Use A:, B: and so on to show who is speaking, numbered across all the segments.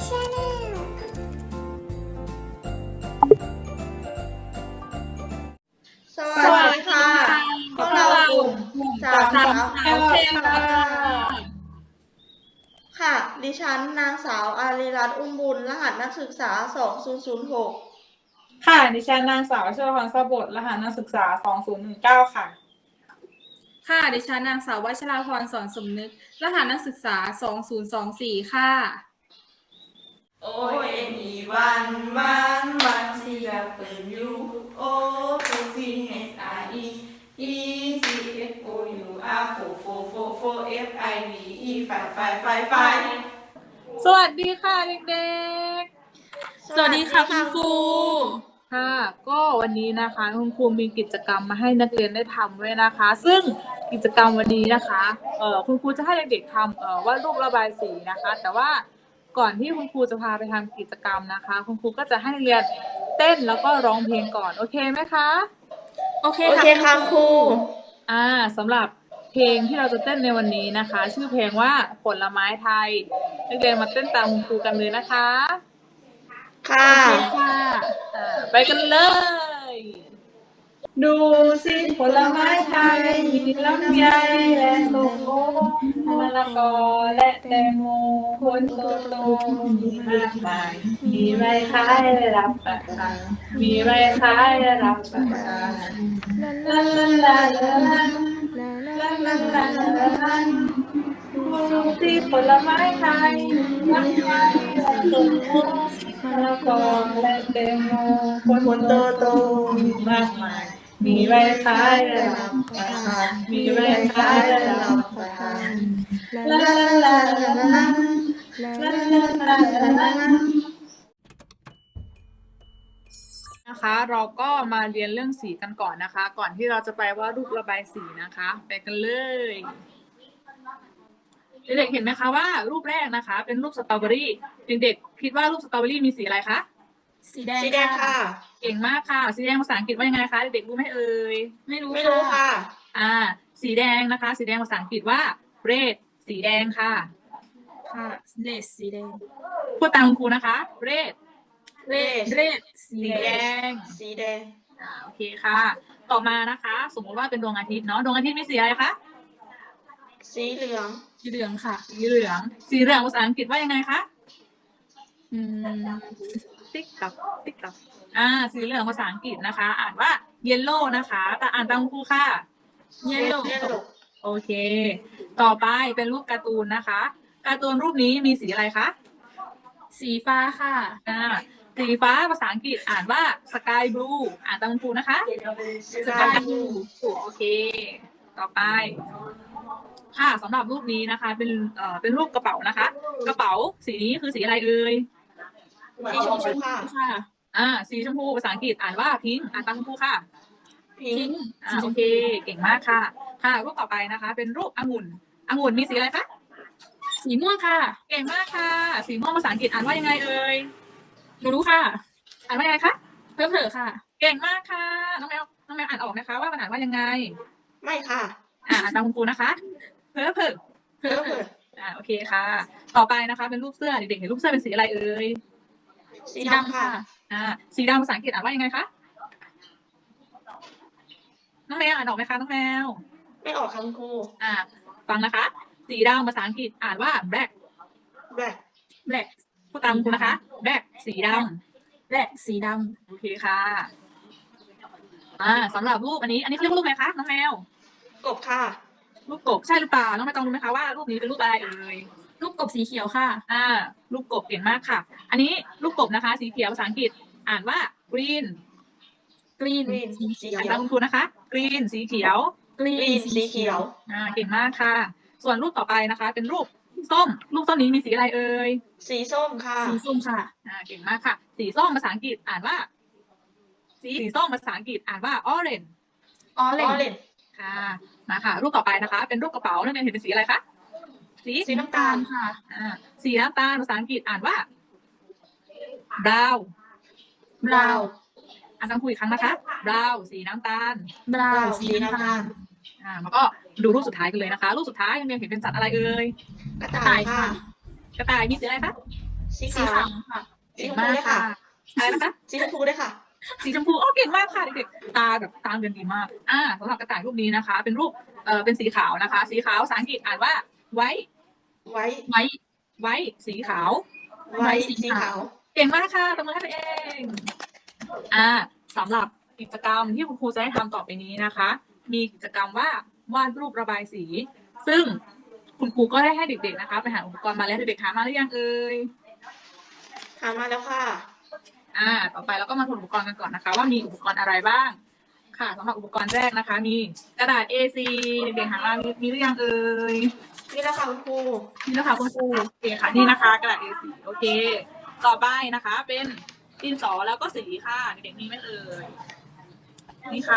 A: Channel
B: สวัสดีค่ะพวกเรากลุ่มสามสาวเอลเคค่ะ ดิฉันนางสาวอารีรัตน์อุ้มบุญรหัสนักศึกษา2006
C: ค่ะดิฉันนางสาวเชอพรสบดรหัสนักศึกษา2019ค่ะ
D: ค่ะดิฉันนางสาววัชราพรสอนสมนึกรหัสนักศึกษา2024ค่ะ
B: โอ้ยมีวันที่อยากเป็นอยู่โอ้ฟูฟีเอสไออีซีเอฟโอยูอาร์โฟเอฟไอวีอีไฟ
C: สวัสดีค่ะเด็ก
D: สวัสดีค่ะคุณครู
C: ๆค่ะก็วันนี้นะคะคุณครูมีกิจกรรมมาให้นักเรียนได้ทำด้วยนะคะซึ่งกิจกรรมวันนี้นะคะคุณครูจะให้เด็กๆทำวาดรูประบายสีนะคะแต่ว่าก่อนที่คุณครูจะพาไปทำกิจกรรมนะคะคุณครูก็จะให้นักเรียนเต้นแล้วก็ร้องเพลงก่อนโอเคไหมคะ
D: โอเค
B: ค่ะครู
C: สำหรับเพลงที่เราจะเต้นในวันนี้นะคะชื่อเพลงว่าผลไม้ไทยนักเรียนมาเต้นตามคุณครูกันเลยนะคะ
B: ค่ะ
C: ไปกันเลยดูสิผลไม้ไทยมีลำไยและส้มโอมะละกอและแตงโมผลโตๆมีมากมายมีใบขายและรับประทานมีใบขายและรับประทานลาลาลาลาลาดูสิผลไม้ไทยลำไยและส้มโอมะละกอและแตงโมผลโตๆมีมากมายมีใบขายและรับประทานมีใบขายและรับประทานลาลาลาลาลาลานะคะเราก็มาเรียนเรื่องสีกันก่อนนะคะก่อนที่เราจะไปวาดรูประบายสีนะคะไปกันเลยเด็กๆเห็นไหมคะว่ารูปแรกนะคะเป็นรูปสตรอเบอรี่เด็กๆคิดว่ารูปสตรอเบอรี่มีสีอะไรคะ
D: สีแดง
B: ค่ะ
C: เก่งมากค่ะสีแดงภาษาอังกฤษว่ายังไงคะเด็กๆรู้ไหมเอ่ย
D: ไม่รู้
B: ค่ะ
C: สีแดงนะคะสีแดงภาษาอังกฤษว่า red สีแดงค่ะ
D: เลดสีแดง
C: พูดตามคุณครูนะคะ red
D: สีแดง
C: โอเคค่ะต่อมานะคะสมมติว่าเป็นดวงอาทิตย์เนาะดวงอาทิตย์มีสีอะไรคะ
B: สีเหลือง
D: ค่ะ
C: สีเหลืองภาษาอังกฤษว่ายังไงคะติ๊กต๊อกสีเหลืองภาษาอังกฤษนะคะอ่านว่า yellow นะคะแต่อ่านตามครูค่ะ
D: yellow
C: โอเคต่อไปเป็นรูปการ์ตูนนะคะการ์ตูนรูปนี้มีสีอะไรคะ
D: สีฟ้าค่ะ
C: สีฟ้าภาษาอังกฤษอ่านว่า sky blue อ่านตามครูนะคะ
D: sky blue
C: โอเคต่อไปค่ะสำหรับรูปนี้นะคะเป็นรูปกระเป๋านะคะกระเป๋าสีนี้คือสีอะไรเอ่ย
B: สีชมพู
D: ค่ะ
C: สีชมพูภาษาอังกฤษอ่านว่า pink อ่านตามครูค่ะ
D: pink
C: โอเคเก่งมากค่ะรูปต่อไปนะคะเป็นรูปองุ่นมีสีอะไรคะ
D: สีม่วงค่ะ
C: เก่งมากค่ะสีม่วงภาษาอังกฤษอ่านว่ายังไงเอ่ย
D: หนูรู้ค่ะ
C: อ่านว่ายังไงคะ
D: เพิ่มเถอะค่ะ
C: เก่งมากค่ะน้องแมวอ่านออกไหมคะว่ามันอ่านว่ายังไง
B: ไม่ค่ะ
C: อ่านตามคุณครูนะคะเพิ่มโอเคค่ะต่อไปนะคะเป็นรูปเสื้อเด็กๆเห็นรูปเสื้อเป็นสีอะไรเอ่ย
D: สีดำค่ะ
C: สีดำภาษาอังกฤษอ่านว่ายังไงคะน้องแมวอ่านออกไหมคะน้องแมว
B: ไม่ออกค่ะคุณครู
C: ฟังนะคะสีดำภาษาอังกฤษอ่านว่า black พูดตามคุณนะคะ black สีด
D: ำ
C: โอเคค่ะสำหรับรูปอันนี้เขาเรียกว่ารูปอะไรคะน้องแมว
B: กบค่ะ
C: รูปกบใช่หรือเปล่าน้องไม่ต้องรู้ไหมคะว่ารูปนี้เป็นรูปอะไรเอ่ย
D: รูปกบสีเขียวค่ะ
C: รูปกบเก่งมากค่ะอันนี้รูปกบนะคะสีเขียวภาษาอังกฤษอ่านว่า green
D: สีเขียว
C: อ่านตามคุณครูนะคะ green สีเขียว
B: สีเขียว
C: เก่งมากค่ะส่วนรูปต่อไปนะคะเป็นรูปส้มนี้มีสีอะไรเอ่ย
B: สีส้มค่ะ
C: เก่งมากค่ะสีส้มภาษาอังกฤษอ่านว่าสีส้มภาษาอังกฤษอ่านว่า orange ค่ะมาค่ะรูปต่อไปนะคะเป็นรูปกระเป๋านักเรียนเห็นเป็นสีอะไรคะ
D: สีน้ำตาลค่ะ
C: สีน้ำตาลภาษาอังกฤษอ่านว่า brown อ่านตามครูอีกครั้งนะคะ brown สีน้ำตาลแล้วก็ดูรูปสุดท้ายกันเลยนะคะรูปสุดท้ายนักเรียนเห็นเป็นสัตว์อะไรเอ่ย
B: กระต่ายค่ะ
C: กระต่ายมีสีอะไรคะ
B: สี
D: สี
B: ขาว
D: ขาวค่ะ
B: สีชมพูด้วยค่ะ
C: อะไรนะคะ
B: สีชมพูด้วยค่ะ
C: สีชมพูโอ้เก่งมากค่ะเด็กๆตาแบบตาเรียนดีมากสำหรับกระต่ายรูปนี้นะคะ เป็นรูปเป็นสีขาวนะคะ สีขาวภาษาอังกฤษอ่านว่าไว้
B: ไว้
C: ไว้สีขาว
B: ไว้สีขาว
C: เก่งมากค่ะตบมือให้ตัวเองสำหรับกิจกรรมที่คุณครูจะให้ทำต่อไปนี้นะคะ มีกิจกรรมว่าวาดรูประบายสี ซึ่งคุณครูก็ได้ให้เด็กๆนะคะไปหาอุปกรณ์มาแล้วเด็กๆหามาหรือยังเอ่ย
B: หามาแล้วค่ะ
C: ต่อไปเราก็มาทวนอุปกรณ์กันก่อนนะคะ ว่ามีอุปกรณ์อะไรบ้าง ค่ะสำหรับอุปกรณ์แรกนะคะ มีกระดาษ A4 เด็กๆหามามีหรือยังเอ่ย
B: นี่แหละค่ะคุณครู
C: นี่นะคะคุณครูโอเคค่ะนี่นะคะ กระดาษ A4 โอเค ต่อไปนะคะ เป็นดินสอแล้วก็สีค่ะเด็กๆมีไหมเอ่ยนี่ค่ะ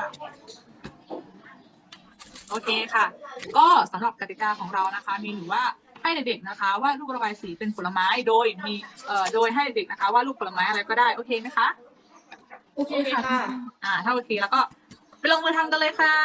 C: โอเคค่ะ ก็สำหรับกติกาของเรานะคะ มีอยู่ว่าให้เด็กๆนะคะวาดรูประบายสีเป็นผลไม้โดยมีโดยให้เด็กๆนะคะวาดรูปผลไม้อะไรก็ได้โอเคไหมคะ
D: โอเคค่ะ
C: ถ้าโอเคแล้วก็ไปลงมือทำกันเลยค่ะ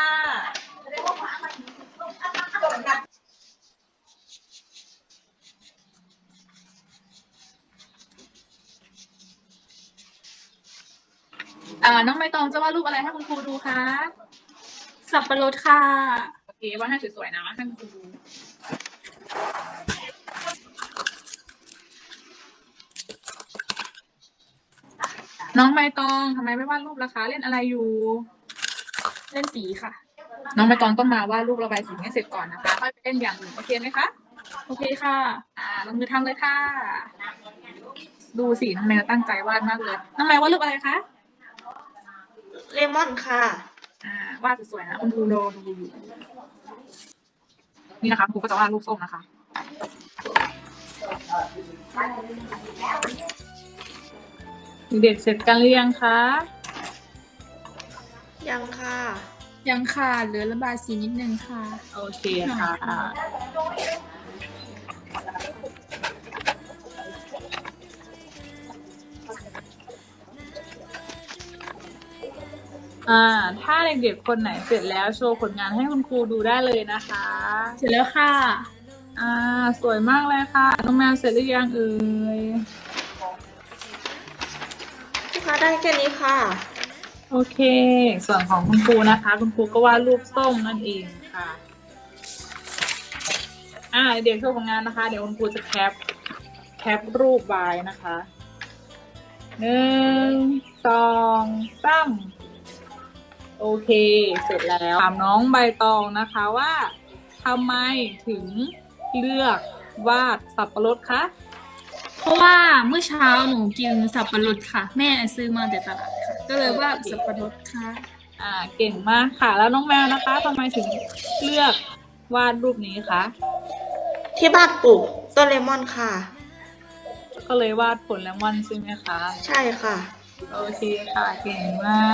C: น้องใบตองจะวาดรูปอะไรให้คุณครูดูคะ
D: สับปะรดค่ะ
C: โอเควาดให้สวยๆนะให้คุณครูดูน้องใบตองทำไมไม่วาดรูปล่ะคะเล่นอะไรอยู่
D: เล่นสีค่ะ
C: น้องใบตองต้องมาวาดรูประบายสีให้เสร็จก่อนนะคะค่อยไปเล่นอย่างอื่นโอเคไหมคะ
D: โอเคค่ะ
C: ลงมือทำเลยค่ะ ดูสิน้องแมวตั้งใจวาดมากเลยน้องแมววาดรูปอะไรคะ
B: เลมอนค่ะ
C: วาดสวยๆนะคุณครูดูอยู่นี่นะคะครูก็จะวาดรูปส้มนะคะเด็กเสร็จกันหรือยังคะ
B: ยังค่ะ
D: ยังค่ะ เหลือระบายสีนิดนึงค่ะ
C: โอเคค่ะถ้าเด็กๆคนไหนเสร็จแล้วโชว์ผลงานให้คุณครูดูได้เลยนะคะ
D: เสร็จแล้วค่ะ
C: สวยมากเลยค่ะน้องแมวเสร็จหรือยังเอ่ย
B: พี่คะได้แค่นี้ค่ะ
C: โอเค ส่วนของคุณครูนะคะ คุณครูก็วาดรูปส้มนั่นเองค่ะเดี๋ยวโชว์ผลงานนะคะ เดี๋ยวคุณครูจะแคปรูปไว้นะคะ1 2 3โอเค เสร็จแล้วถามน้องใบตองนะคะว่าทำไมถึงเลือกวาดสับปะรดคะ
D: เพราะว่าเมื่อเช้าหนูกินสับปะรดค่ะ แม่ซื้อมาแต่ตลาดค่ะ ก็เลยว่าสับปะรดค่ะ
C: เก่งมากค่ะ แล้วน้องแมวนะคะทำไมถึงเลือกวาดรูปนี้คะ
B: ที่บ้านปลูกต้นเลมอนค่ะ
C: ก็เลยวาดผลเลมอนใช่ไหมคะ
B: ใช่ค่ะ
C: โอเคค่ะเก่งมาก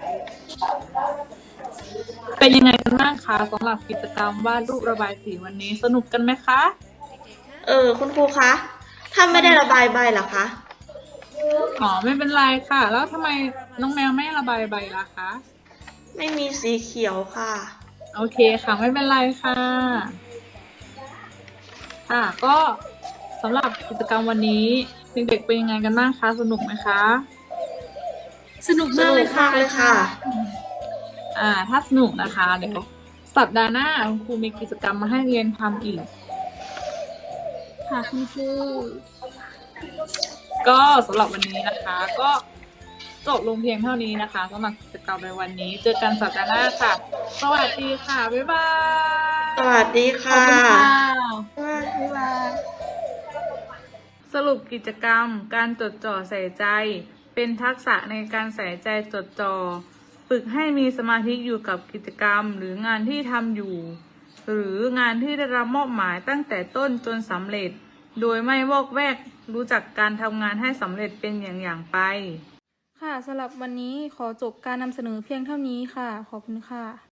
C: เป็นยังไงกันบ้างคะสำหรับกิจกรรมวาดรูประบายสีวันนี้สนุกกันไหมคะ
B: คุณครูคะ ถ้าไม่ได้ระบายใบเหรอคะ
C: ไม่เป็นไรค่ะ แล้วทำไมน้องแมวไม่ระบายใบล่ะคะ
B: ไม่มีสีเขียวค่ะ
C: โอเคค่ะไม่เป็นไรค่ะก็สำหรับกิจกรรมวันนี้เด็กๆเป็นยังไงกันบ้างคะสนุกไหมคะ
D: สนุกมากเลยค่ะ
C: ถ้าสนุกนะคะเดี๋ยวสัปดาห์หน้าคุณครูมีกิจกรรมมาให้เรียนทำอีก
D: ค่ะคุณครู
C: ก็สำหรับวันนี้นะคะ ก็จบลงเพียงเท่านี้นะคะสำหรับกิจกรรมในวันนี้เจอกันสัปดาห์หน้าค่ะ สวัสดีค่ะบ๊ายบาย
B: สวัสดี
D: ขอบ
B: ค่ะ
D: คุณค่ะ
B: บ๊ายบาย
C: สรุปกิจกรรมการจดจ่อใส่ใจ เป็นทักษะในการใส่ใจจดจ่อฝึกให้มีสมาธิอยู่กับกิจกรรมหรืองานที่ทำอยู่ หรืองานที่ได้รับมอบหมายตั้งแต่ต้นจนสำเร็จ โดยไม่วอกแวกรู้จักการทำงานให้สำเร็จเป็นอย่างไป
D: ค่ะสำหรับวันนี้ขอจบการนำเสนอเพียงเท่านี้ค่ะ ขอบคุณค่ะ